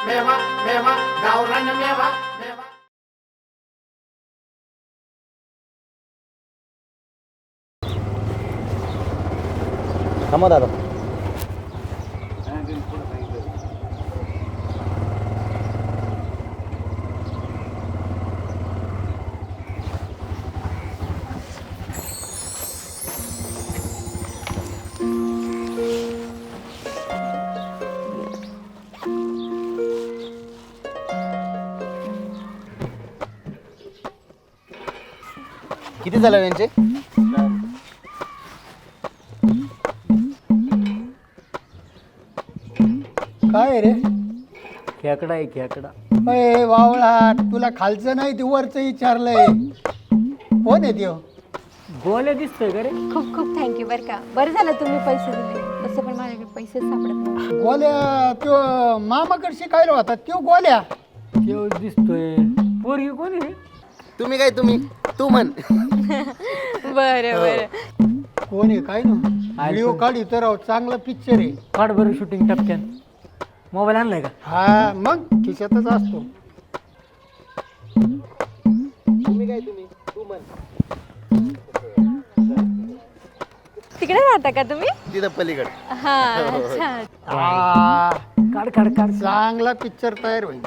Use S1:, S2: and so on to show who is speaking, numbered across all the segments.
S1: मेवा मेवा गावरान मेवा मेवा.
S2: थांबा दादा. किती झाले यांचे?
S3: काय रे
S4: खेकडा आहे खेकडा.
S3: अय वावळा, तुला खालचं नाही ते वरचं विचारलंय. कोण आहे त्यो?
S4: गोल्या दिसतोय का रे?
S5: खूप खूप थँक्यू बरं का. बरं झालं तुम्ही पैसे दिले, तसं पण माझ्याकडे पैसेच सापडत नाही.
S3: गोल्या त्यो मामाकडे शिकायला होता त्यो गोल्या.
S4: तेव्हा दिसतोय. पोरगी कोणी रे?
S2: तुम्ही काय तू म्हण.
S5: बरं बरं.
S3: कोण आहे काय ना व्हिडिओ काढी तर राव, चांगला पिक्चर आहे.
S4: काढ बरं शूटिंग टपक्यान. मोबाईल आणलाय का?
S3: हा मग खिशातच असतो.
S2: तू म्हण.
S5: तिकडे राहता का तुम्ही?
S2: तिथं पलीकडे.
S5: हा अच्छा.
S3: हा,
S4: काढ काढ काढ.
S3: चांगला पिक्चर तयार होईल.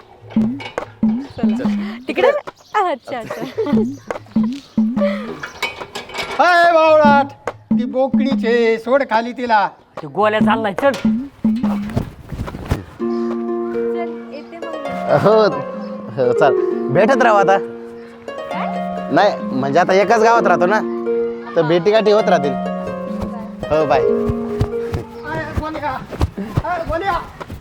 S5: तिकडे अच्छा अच्छा.
S3: हाय बावळाट, ती बोकडीचे सोड खाली तिला.
S4: ते गोल्या चाललाय चल.
S5: चल येते मग.
S2: हो चाल, भेटत राहू आता. नाही म्हणजे आता एकाच गावात राहतो ना, तर भेटीगाठी होत राहतील. हो बाय.
S3: अरे गोल्या, अरे गोल्या.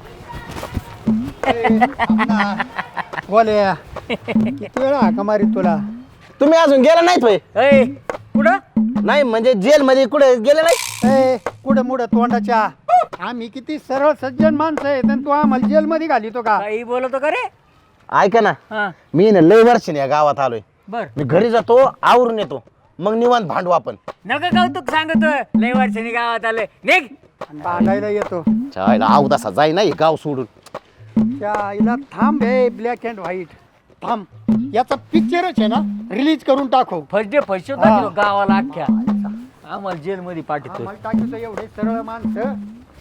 S3: ए, थांब ना. गोल्या, किती वेळा हाका मारीत तुला.
S2: तुम्ही अजून गेला नाहीत होय?
S4: ए कुठं?
S2: नाही म्हणजे जेल मध्ये कुठे गेले नाही?
S3: ए कुठं मुडं तोंडाच्या, आम्ही किती सरळ सज्जन माणसं आहेत आणि तू आम्हाला जेलमध्ये घालितो का?
S4: काही बोलतो का रे?
S2: ऐका ना,
S4: हा
S2: मी ना लय वर्षाने या गावात आलोय.
S4: बर.
S2: मी घरी जातो, आवरून येतो, मग निवांत भांडू आपण.
S4: नका कौतुक सांगतोय. लय वर्षांनी गावात आलोय. निघ.
S3: आणि भांडायला येतो.
S2: चायला आऊ तसा जाई नाही गाव सोडून.
S3: त्या आईला थांब हे ब्लॅक अँड व्हाईट थांब. याचा पिक्चरच आहे ना, रिलीज करून टाकू.
S4: फर्स्ट डे पैसे
S3: हा.
S4: गावाला अख्ख्या. आम्हाला जेल मध्ये पाठवतोय.
S3: आम्हाला टाकीचं एवढे सरळ माणसं.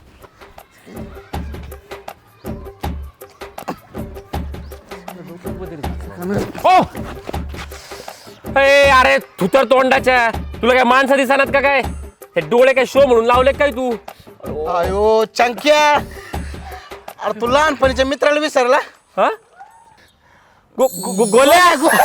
S6: अरे तू तर तोंडाच्या, तुला काय माणसं दिसणार का काय? हे डोळे काय शो म्हणून लावले काय तू?
S2: अयो चंक्या, अरे तू लहानपणीच्या मित्राला विसरला?
S6: हा? गोल्या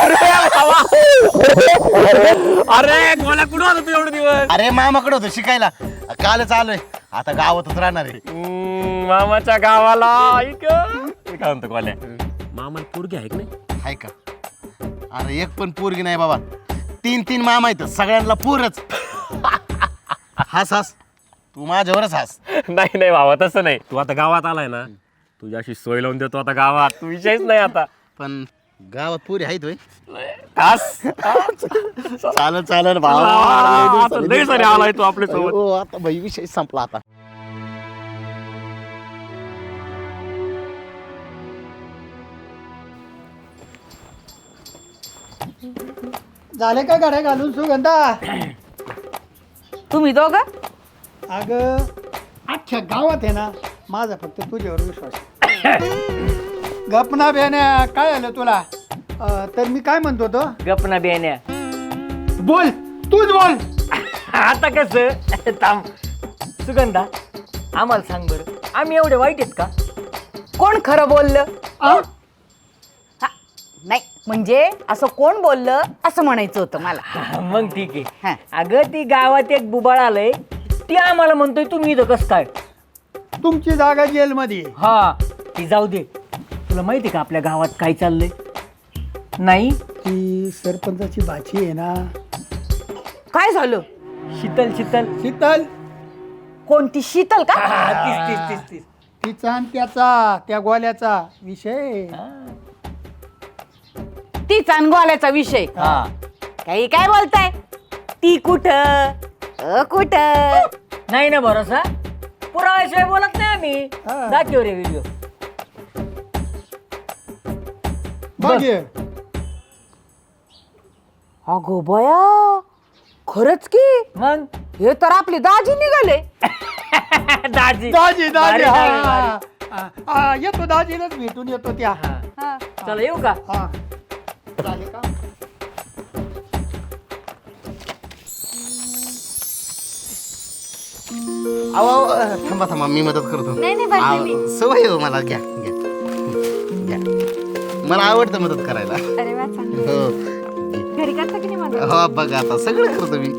S6: अरे गोल्या कुठं होता तू एवढे दिवस?
S2: अरे मामाकडे होतो शिकायला, कालच आलोय. आता गावातच राहणार आहे.
S6: मामाच्या गावाला. ऐक मी काय म्हणतो गोल्या, मामाला पोरगी आहे की नाही?
S2: हाय का? अरे एक पण पोरगी नाही बाबा, 3 मामा आहेत, सगळ्यांना पोरच. हास हास, तू माझ्यावरच हास.
S6: नाही नाही भावा, तसं नाही. तू आता गावात आलाय ना, तुझी अशी सोय लावून देतो आता गावात, तू विषयच नाही आता.
S2: पण गावात पोरी आहेत होय?
S6: हास.
S2: चालेल
S6: आता लय सारे आलाय तू आपल्या सोबत.
S2: हो आता भाई विषय संपला आता.
S3: झाले का गाड्या घालून सुगंधा?
S7: तुम्ही दोघं?
S3: अगं अख्ख्या गावात आहे ना, माझा फक्त तुझ्यावर विश्वास आहे. गपना बेण्या, काय आलं तुला? तर मी काय म्हणतो तो,
S4: गपना बेण्या.
S3: बोल तूच बोल.
S4: आता कसं? थांब. सुगंधा, आम्हाला सांग बरं, आम्ही एवढे वाईट आहेत का?
S7: कोण खरं बोललं?
S3: आ?
S7: हा, नाही म्हणजे असं कोण बोललं असं म्हणायचं होतं मला.
S4: मग ठीक
S7: हा.
S4: आहे. अगं ती गावात एक बुबाळ आलंय, ती आम्हाला म्हणतोय तुम्ही इथं कसं काय?
S3: तुमची जागा जेलमध्ये आहे.
S4: हा ती जाऊ दे. तुला माहिती का आपल्या गावात काय चाललंय? नाही.
S3: ती सरपंचाची भाची आहे ना,
S7: काय झालं?
S4: शीतल शीतल.
S3: शीतल,
S7: कोणती शीतल का?
S4: तीस तीस तीस तीस.
S3: तिचा आणि त्याचा, त्या गोल्याचा विषय.
S7: ती चांगवाल्याचा विषय.
S4: हा
S7: काही काय बोलताय? ती कुठं कुठं?
S4: नाही ना भरोसा. पुराव्याशिवाय बोलत नाही आम्ही.
S3: हा.
S4: दाखव रे व्हिडिओ.
S3: बघ ये.
S7: अगो बया खरंच की
S4: मग
S7: हे तर आपले दाजी निघाले.
S4: दाजी
S3: दाजी दाजी
S4: भारी,
S3: हा,
S4: भारी,
S3: हा, हा, येतो दाजीलाच भेटून येतो त्या
S4: हा. चला येऊ का
S3: हा झाले का
S2: अहो थांबा थांबा मी मदत करतो
S5: नाही, नाही, बरं, मी.
S2: सवय हो मला घ्या घ्या घ्या मला आवडतं मदत करायला
S5: अरे वा चांगलं.
S2: हो
S5: घरी करता की नाही मदत?
S2: हो बघा आता सगळं करतो मी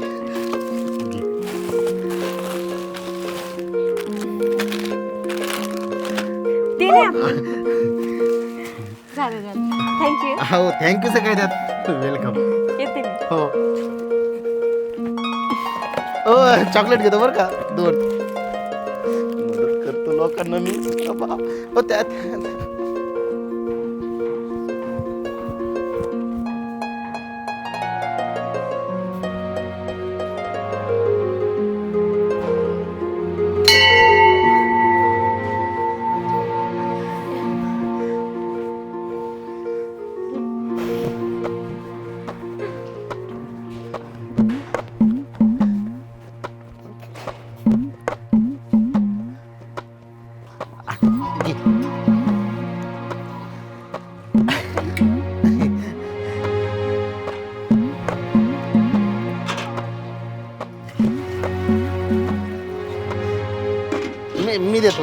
S5: ते नाही आपण. झालं झालं थँक्यू.
S2: हो थँक्यू सगळे त्यात वेलकम
S5: येते मी.
S2: हो हो चॉकलेट घेतो बरं का 2 मदत करतो लोकांना मी बाबा. हो त्यात घे. मी देतो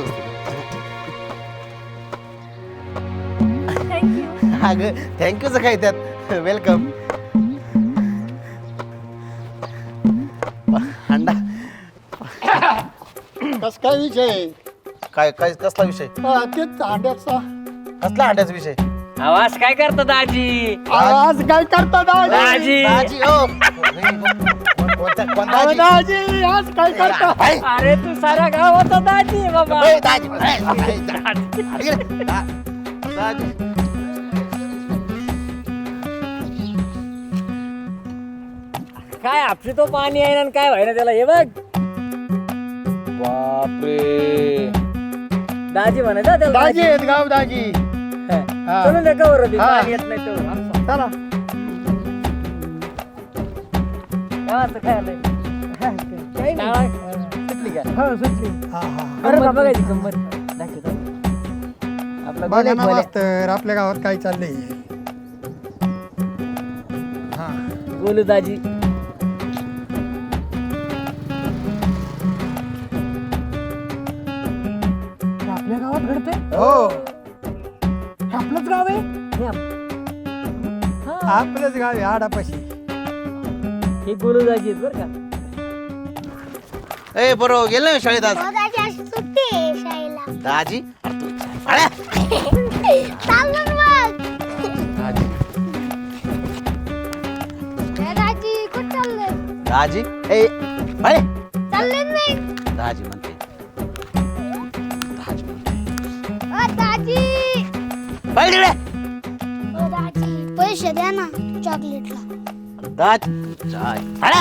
S5: थँक्यू.
S2: अगं थँक्यूचं काय त्यात वेलकम अंडा
S3: कस काय विषय
S2: काय काय कसला विषय
S3: तेच अंड्याचा
S2: कसला अंड्याचा विषय
S4: आवाज काय करतो दाजी
S3: आज काय करता दाजी
S4: दाजी
S2: दाजी ओ कोणता
S3: अहो, दाजी आज काय करता
S4: अरे तू साऱ्या गावाचा दाजी आहे बाबा
S2: दाजी दाजी
S4: काय आपली तो पाणी आहे ना काय व्हायना त्याला हे बघ बापरे दाजी म्हणायचं त्याला
S3: दाजी आहेत गाव दाजी हा.
S4: चलून दे कवर होती
S3: हा.
S4: पाणी येत नाही तो
S3: चला
S4: गावाचं काय आलंय शाळा सुटली का
S3: हो सुटली हा हा
S4: गंमत बघायची गंमत दाखव आपला
S3: बघा ना मास्तर आपल्या गावात काय चाललंय हा
S4: गोलू दाजी
S3: आपल्या गावात घडतंय हो आपलंच गाव आहे
S4: हे
S3: आपलंच गाव आहे आडापाशी
S4: हे गोलू दाजी आहेत बरं का
S2: ए बरोबर गेलं ना शाळेत आज
S8: दादाची अशी सुट्टी आहे शाळेला
S2: दाजी अरे तू अरे
S8: चाललं मग
S2: दाजी
S8: दादाची कुठं चाललंय
S2: दाजी ए अरे
S8: चालले नाही
S2: दाजी म्हणते दाजी म्हणते
S8: दाजी
S2: पहिले तिकडे.
S8: दाजी पैसे द्या ना चॉकलेटला
S2: दाजी अरे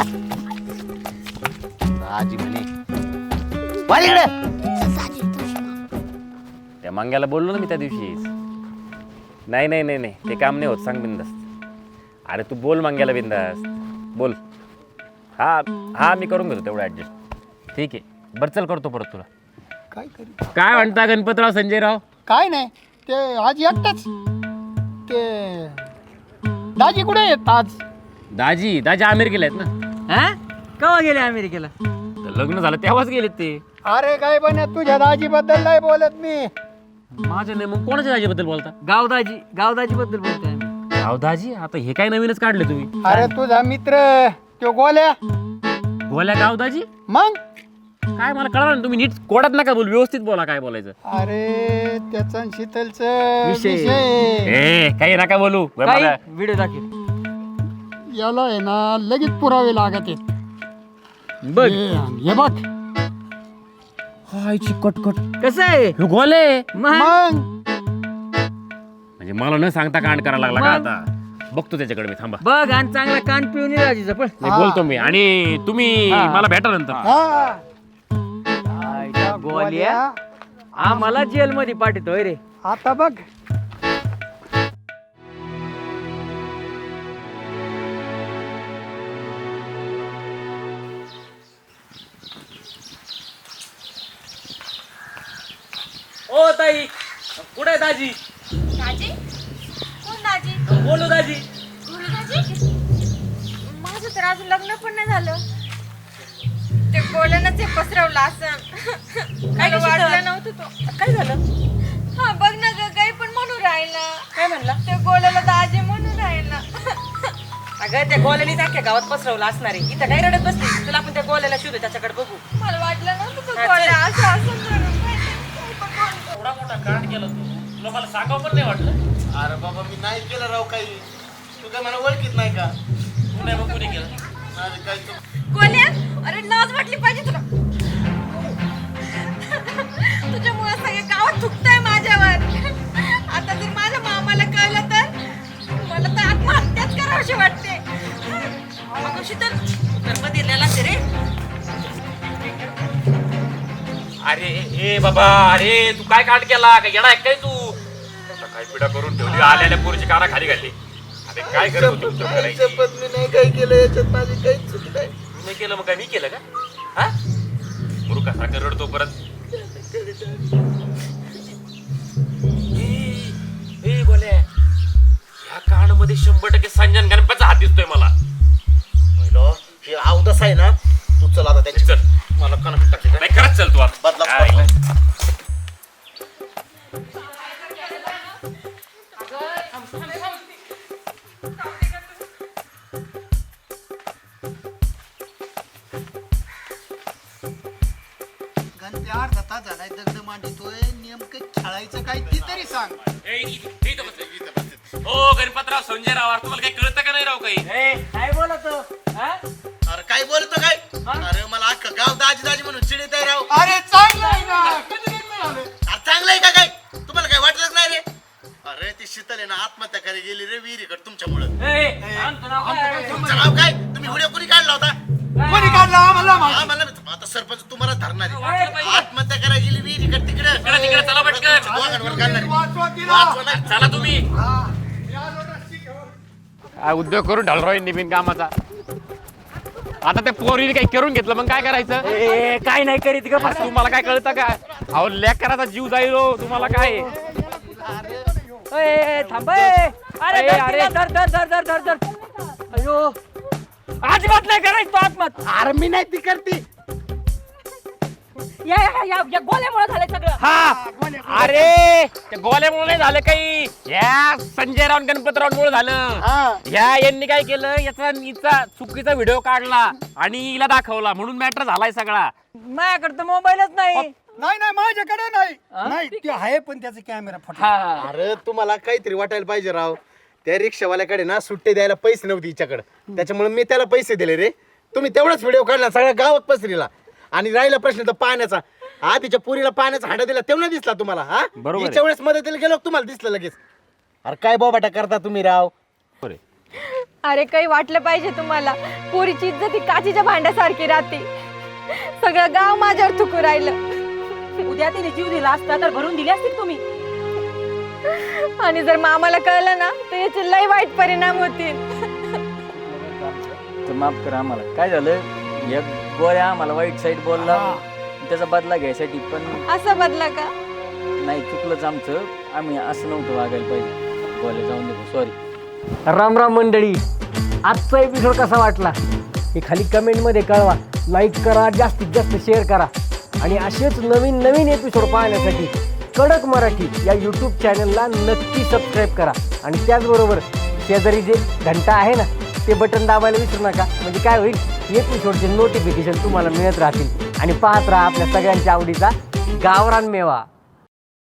S2: दाजी म्हणे पहिले तिकडे.
S8: दाजी
S6: त्या मंग्याला बोललो ना मी त्या दिवशी नाही नाही नाही नाही ते काम नाही होत सांग बिंदास्त अरे तू बोल मंग्याला बिंदास्त बोल हा हा मी करून घेतो तेवढं ॲडजस्ट ठीक आहे बरं चल करतो परत तुला
S3: काय करू
S6: काय म्हणता गणपतराव संजयराव
S3: काय नाही ते आज एकटाच ते दाजी कुठे आहेत आज
S6: दाजी दाजी अमेरिकेला आहेत ना
S4: हा केव्हा गेले अमेरिकेला
S6: तर लग्न झालं तेव्हाच गेलेत ते
S3: अरे काय बन तुझ्या दाजी बद्दल नाही बोलत मी
S6: माझ्या नाही मग कोणाच्या दाजीबद्दल बोलता
S4: गावदाजी बद्दल बोलतोय आम्ही
S6: राव दाजी आता हे काय नवीनच काढले तुम्ही
S3: अरे तुझा मित्र तो गोल्या
S6: बोल्या गाव दाजी
S3: मग
S6: काय मला कळलं ना तुम्ही नीट कोडात नका बोल व्यवस्थित बोला काय बोलायचं
S3: अरे त्याचा शीतलचं
S4: विषय.
S3: विषय
S6: ए काही नका बोलू बरं
S4: काही
S6: मला-
S4: व्हिडिओ दाखव
S3: याला आहे ना लगेच पुरावे लागत आहेत
S4: बघ
S3: हे बघ
S6: हाय चिकटकट
S4: कसं आहे
S6: हे गोले
S4: मग
S3: मग
S6: म्हणजे मला न सांगता कांड करायला लागला का
S4: मग?
S6: आता बघतो त्याच्याकडे मी थांबा
S4: बघ आणि चांगला कान पिऊन ये राजीचं पण
S6: नाही, बोलतो मी आणि तुम्ही
S4: हा.
S6: मला भेटा नंतर
S3: हा
S4: गोलिया आम्हाला जेल मध्ये पाठवतोय रे
S3: आता बघ
S6: ओ ताई कुठे आहे दाजी?
S5: दाजी कोण दाजी?
S6: बोलू दाजी.
S5: दाजी माझं तर अजून लग्न पण नाही झालं. ते गोल्यानंच हे पसरवलं असं. काय वाटलं नव्हतं तो.
S4: काय झालं?
S5: हा बघ ना ग, काही पण म्हणून राहिला.
S4: काय म्हणला?
S5: ते गोल्याला दाजी म्हणून राहिला.
S9: अगं त्या गोल्याने अख्ख्या गावात पसरवलं असणार आहे. इथं काय रडत बसली? तुला आपण त्या गोल्याला शोधू, त्याच्याकडे बघू.
S5: मला वाटलं नव्हतं तो
S9: हा,
S5: गोल्या असं असं म्हणून. काही पण बोलतो.
S6: एवढा मोठा कांड केला तू, तुला मला सांगावं पण नाही वाटलं?
S2: अरे बाबा मी नाही केलं राव काही. तू काय मला ओळखीत नाही का?
S6: तू नाही मग कुणी केलं?
S2: अरे काय तू
S5: गोल्या, अरे लाज वाटली पाहिजे तुला. तुझ्यामुळे सगळे गावात थुकताय माझ्यावर. आता जर माझ्या मामाला कळलं तर मला तर आत्महत्याच करावीशी वाटते.
S9: अगं शीतल, धर्म दिलेला असते रे.
S6: अरे ए बाबा, अरे तू काय कांड केला? काय येणार काय तू? काय पिढा करून ठेवली, आल्याल्या पोरीची काना खाली घातली. अरे काय करत होती उत्तर करायची?
S2: मी नाही काही केलं, याच्यात माझी काही चूक नाही.
S6: तू नाही केलं मग काय मी केलं का? हा मूर्खासारखं रडतो परत. ए गोल्या, ह्या कांडमध्ये 100% संजन गणपतचा हात दिसतोय मला.
S2: हे अवदस आहे ना, तू चल आता त्याची.
S6: चल.
S2: मला कणक टाकली काय?
S6: नाही खरंच चल तू आता.
S2: बदला,
S6: काय
S2: बदला.
S6: नाही.
S3: गणपती अर्धा तास झालाय दगड मांडितोय. नेमकं खेळायचं काय ती तरी सांग.
S6: ओ गणपतराव, संजयराव, अरे तुम्हाला काही कळतं का नाही राव काही?
S4: काय बोलतो?
S2: अरे काय बोलतो काय? अरे मला अख्खं गाव दाजी दाजी म्हणून चिडीत आहे राव.
S3: अरे चांगलं आहे ना, कधी नाही मिळालं.
S2: अरे चांगलं आहे का काय? तुम्हाला काय वाटलंच नाही रे? अरे ती शीतल आहे ना, आत्महत्या करायला गेली रे विहिरीकडे तुमच्यामुळं. तुमचं नाव काय? तुम्ही व्हिडिओ कोणी काढला होता?
S3: कोणी काढला आम्हाला माहिती.
S2: हा, मला आता सरपंच तुम्हाला धरणार आहे. आत्महत्या करायला गेली विहिरीकडे तिकडे.
S6: तिकडे चला पटकन.
S2: दोघांवर काढणार आहे.
S3: वाचवा तिला.
S2: वाचवा नाही.
S6: चला तुम्ही.
S3: मी आलो रस्सी घेऊन.
S6: काय उद्योग करून ढालराव निबिन कामाचा. आता त्या पोरीने काही करून घेतलं मग काय करायचं?
S4: ए काय नाही करीत ग.
S6: अरे तुम्हाला काय कळतं का? अहो लेकराचा जीव जाईल हो. तुम्हाला काय?
S4: थांब. अरे अरे धर धर धर धर धर धर. अयो अजिबात नाही करायचं तो आत्महत्या.
S2: अरे मी नाही ती करते.
S9: या गोल्यामुळे झालंय सगळं.
S6: हा अरे त्या गोल्यामुळे नाही झालं काही. या संजयराव आणि गणपतरावांमुळे झालं. यांनी काय केलं, हिचा चुकीचा व्हिडिओ काढला आणि हिला दाखवला म्हणून मॅटर झालाय सगळा.
S4: माझ्याकडे तर मोबाईलच नाही.
S3: नाही नाही माझ्याकडे नाही. नाही ते आहे पण त्याचा कॅमेरा फुटला.
S4: हा
S2: अरे तुम्हाला काहीतरी वाटायला पाहिजे राव. त्या रिक्षावाल्याकडे ना सुट्टे द्यायला पैसे नव्हते हिच्याकडे, त्याच्यामुळे मी त्याला पैसे दिले रे. तुम्ही तेवढाच व्हिडिओ काढला, सगळ्या गावात पसरीला. आणि राहिला प्रश्न तर पाण्याचा. हा तिच्या पुरीला पाण्याचा हांडा दिला तेव्हा दिसला तुम्हाला? हा
S6: बरोबर आहे.
S2: हिच्या वेळेस मदतीला गेलो तुम्हाला दिसलं लगेच. अरे काय बोबाटा करता तुम्ही राव.
S5: अरे काही वाटलं पाहिजे तुम्हाला. पोरीची इज्जत ही काचीच्या भांड्यासारखी राहते. सगळं गाव माझ्यावर थुकू राहिलं.
S9: उद्या तिने जीव दिला असता तर भरून दिले असतील तुम्ही.
S5: आणि जर मामाला कळलं ना तर याचे लय वाईट परिणाम होतील.
S4: तर माफ करा आम्हाला. काय झालं, या गोळ्या आम्हाला वाईट साईड बोलला, त्याचा बदला घ्यायसाठी. पण
S5: असं बदला का?
S4: नाही, चुकलंच आमचं. आम्ही असं नव्हतं वागायला पाहिजे. गोळ्या जाऊन देतो, सॉरी. राम राम मंडळी, आजचा एपिसोड कसा वाटला हे खाली कमेंटमध्ये कळवा. लाईक करा, जास्तीत जास्त शेअर करा. आणि असेच नवीन नवीन एपिसोड पाहण्यासाठी कडक मराठी या यूट्यूब चॅनलला नक्की सबस्क्राईब करा. आणि त्याचबरोबर शेजारी जे घंटा आहे ना ते बटन दाबायला विसरू नका. म्हणजे काय होईल, एपिसोडचे नोटिफिकेशन तुम्हाला मिळत राहतील. आणि पाहत राहा आपल्या सगळ्यांच्या आवडीचा गावरान मेवा.